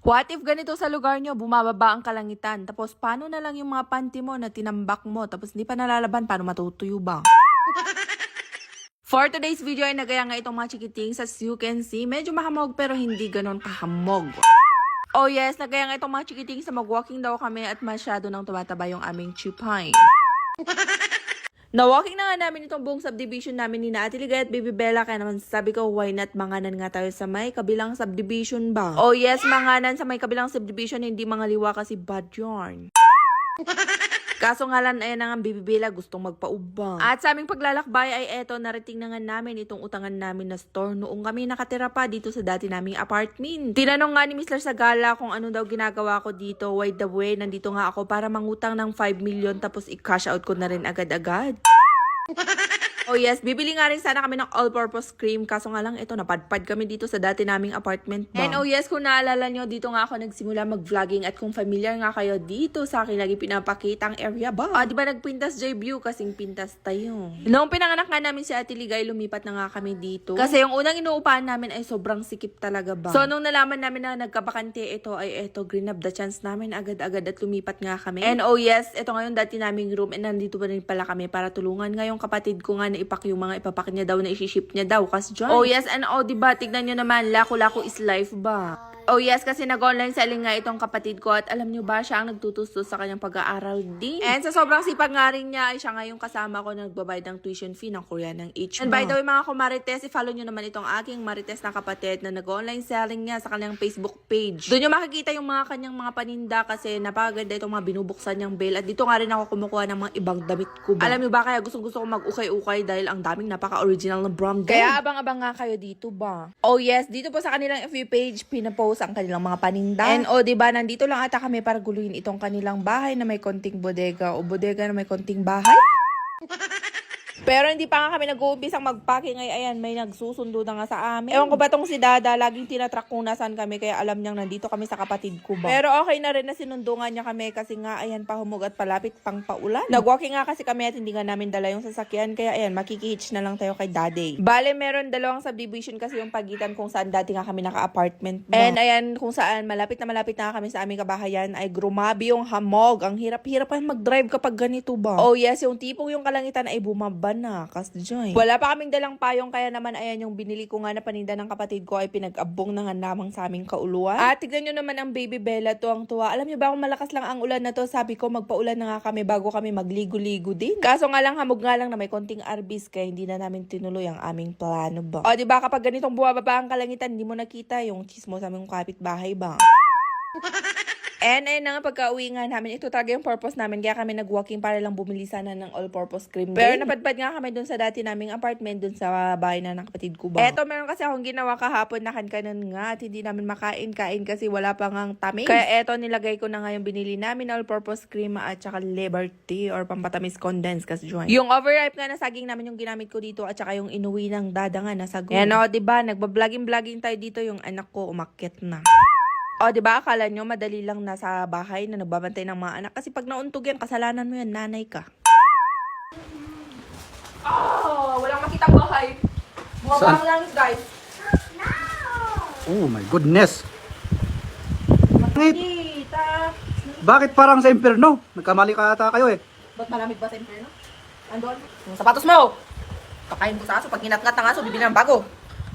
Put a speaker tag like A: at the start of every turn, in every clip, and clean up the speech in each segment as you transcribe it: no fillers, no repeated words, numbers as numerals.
A: What if ganito sa lugar nyo, bumababa ang kalangitan, tapos paano na lang yung mga panty mo na tinambak mo, tapos hindi pa nalalaban, paano matutuyo ba? For today's video ay nagaya nga itong mga chikitings. As you can see, medyo mahamog pero hindi ganon kahamog. Oh yes, nagaya nga itong mga chikitings na mag-walking daw kami at masyado nang tumataba yung aming chupay. Na-walking na nga namin itong buong subdivision namin ni Ate Ligay at Baby Bella, kaya naman sabi ko, why not manganan nga tayo sa may kabilang subdivision ba? Oh yes, manganan sa may kabilang subdivision, hindi mga liwa kasi bad yarn. Kaso nga lang, ayan na nga Baby Bella, gustong magpaubang. At sa aming paglalakbay ay eto, narating na nga namin itong utangan namin na store noong kami nakatira pa dito sa dati naming apartment. Tinanong nga ni Mr. Sagala kung ano daw ginagawa ko dito. By the way, nandito nga ako para mangutang ng 5 million tapos i-cash out ko na rin agad-agad. Oh yes, bibili nga rin sana kami ng all-purpose cream. Kaso nga lang, ito, napadpad kami dito sa dati naming apartment ba. And oh yes, kung naalala nyo, dito nga ako nagsimula mag-vlogging. At kung familiar nga kayo dito, sa akin lagi pinapakita ang area ba. Diba nagpintas J-View kasing pintas tayo. Noong pinanganak nga namin si Ate Ligay, lumipat na nga kami dito. Kasi yung unang inuupahan namin ay sobrang sikip talaga ba. So nung nalaman namin na nagkabakante ito, ay eto, green up the chance namin agad-agad at lumipat nga kami. And oh yes, ito ngayon dati naming room. And nandito pa rin pala kami para tulungan nga yung kapatid ko nga na ipak yung mga ipapak niya daw na isi-ship niya daw kasi dyan. Oh yes, and oh diba, tignan nyo naman, lako-lako is life ba? Oh yes, kasi nag-online selling nga itong kapatid ko at alam nyo ba, siya ang nagtutustos sa kanyang pag-aaral din. And sa sobrang sipag nga rin niya, ay siya nga yung kasama ko na nagbabayad ng tuition fee ng Korean ng H. And by the way mga kumarites, i-follow nyo naman itong aking marites na kapatid na nag-online selling niya sa kanyang Facebook page. Doon nyo makikita yung mga kanyang mga paninda kasi napakaganda itong mga binubuksan niyang bail. At dito nga rin ako kumukuha ng mga ibang damit ko ba. Alam nyo ba, kaya gusto ko mag-ukay-ukay dahil ang daming napaka-original na brand. Kaya abang-abang nga kayo dito ba. Oh yes, dito po sa kanilang FB page, pinapost ang kanilang mga paninda. And diba, nandito lang ata kami para guluhin itong kanilang bahay na may konting bodega o bodega na may konting bahay. Pero hindi pa nga kami nag-uumpisang mag-packing ay ayan, may nagsusundo na nga sa amin. Ewan ko ba tong si Dada, laging tinatrack kung nasan kami kaya alam niyang nandito kami sa kapatid ko ba. Pero okay na rin na sinundungan niya kami kasi nga ayan, pahumog at palapit pang paulan. Nag-walking nga kasi kami at hindi nga namin dala yung sasakyan kaya ayan, makikihitch na lang tayo kay Daddy. Bale, meron dalawang subdivision kasi yung pagitan kung saan dati nga kami naka-apartment ba. And ayan, kung saan malapit na kami sa aming kabahayan ay grumabi yung hamog. Ang hirap-hirap pa mag-drive kapag ganito ba. Oh yes, yung tipong yung kalangitan ay bumaba na, kasjoy. Wala pa kaming dalang payong kaya naman ayan yung binili ko nga na paninda ng kapatid ko ay pinag-abong na nga namang sa aming kauluan. At tignan nyo naman ang Baby Bella, tuwang-tuwa. Alam nyo ba kung malakas lang ang ulan na to, sabi ko magpaulan na nga kami bago kami magligo-ligo din. Kaso nga lang, hamog nga lang na may konting arbis kaya hindi na namin tinuloy ang aming plano ba. O diba kapag ganitong bumababa ang kalangitan, hindi mo nakita yung chismo sa aming kapitbahay ba. And ayun na nga, pagka-uwi nga namin, ito talaga yung purpose namin. Kaya kami nag-walking para lang bumili sana ng all-purpose cream. Pero napadpad nga kami dun sa dati naming apartment, dun sa bahay na ng kapatid ko ba. Eto, meron kasi akong ginawa kahapon na kankanan nga at hindi namin makain-kain kasi wala pa ngang tamis. Kaya eto, nilagay ko na nga yung binili namin all-purpose cream at saka Liberty or pampatamis condensed kasi join. Yung overripe nga na saging namin yung ginamit ko dito at saka yung inuwi ng Dada nga na sago. Ayan o, diba? Nagbabloging tayo dito, yung anak ko umakyat na. O, diba? Akala nyo madali lang nasa bahay na nagbabantay ng mga anak. Kasi pag nauntog yan, kasalanan mo yan, nanay ka. Oh, walang makitang bahay. Bumabang lang, guys.
B: Oh my goodness.
A: Makikita.
B: Bakit parang sa impyerno? Nagkamali ka ata kayo eh.
A: Ba't malamig ba sa impyerno? Andon? Yung sapatos mo! Kakain ko sa aso. Pag ginat-ngat ng aso, bibili ng bago.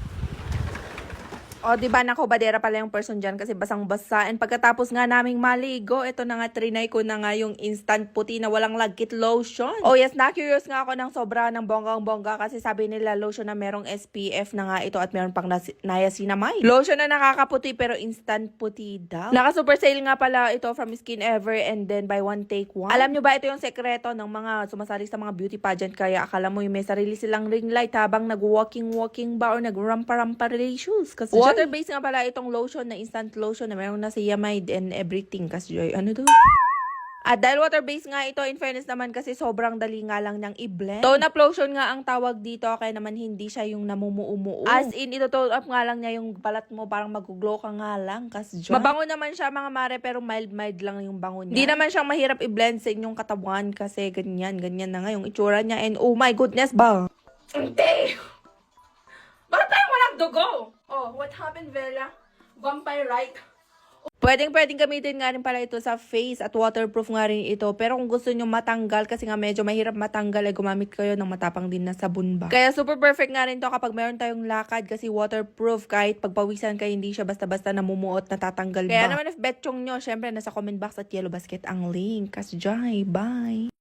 A: O, diba, nakobadera pala yung person dyan kasi basang-basa. And pagkatapos nga naming maligo, ito na nga, trinay ko na nga yung instant puti na walang lagkit lotion. Oh yes, na-curious nga ako ng sobra ng bonggang-bongga kasi sabi nila lotion na merong SPF na nga ito at meron pang niacinamide. Lotion na nakakaputi pero instant puti daw. Naka-super sale nga pala ito from Skin Ever and then buy one take one. Alam nyo ba, ito yung sekreto ng mga sumasali sa mga beauty pageant kaya akala mo yung may sarili silang ring light habang nag-walking ba or nag-rampa-rampa relations. Kasi water-based nga pala itong lotion na instant lotion na mayroon na niacinamide and everything. Kasi ano to? At dahil water-based nga ito, in fairness naman kasi sobrang dali nga lang niyang i-blend. Tone up lotion nga ang tawag dito kaya naman hindi siya yung namumuumuo. As in, ito tone up nga lang niya yung balat mo parang mag-glow ka nga lang. Kasi mabango naman siya mga mare pero mild lang yung bango niya. Hindi naman siyang mahirap i-blend sa inyong katawan kasi ganyan na nga yung itsura niya. And oh my goodness ba? Hindi! Bakit parang walang dugo? Oh, what happened, Bella? Vampire right? Pwedeng gamitin nga rin pala ito sa face at waterproof nga rin ito. Pero kung gusto nyo matanggal, kasi nga medyo mahirap matanggal, ay gumamit kayo ng matapang din na sabon ba. Kaya super perfect nga rin to kapag meron tayong lakad kasi waterproof, kahit pagpawisan kayo, hindi siya basta-basta namumuot, natatanggal ba. Kaya naman if betchong nyo, syempre nasa comment box at yellow basket ang link. Kasjay, bye!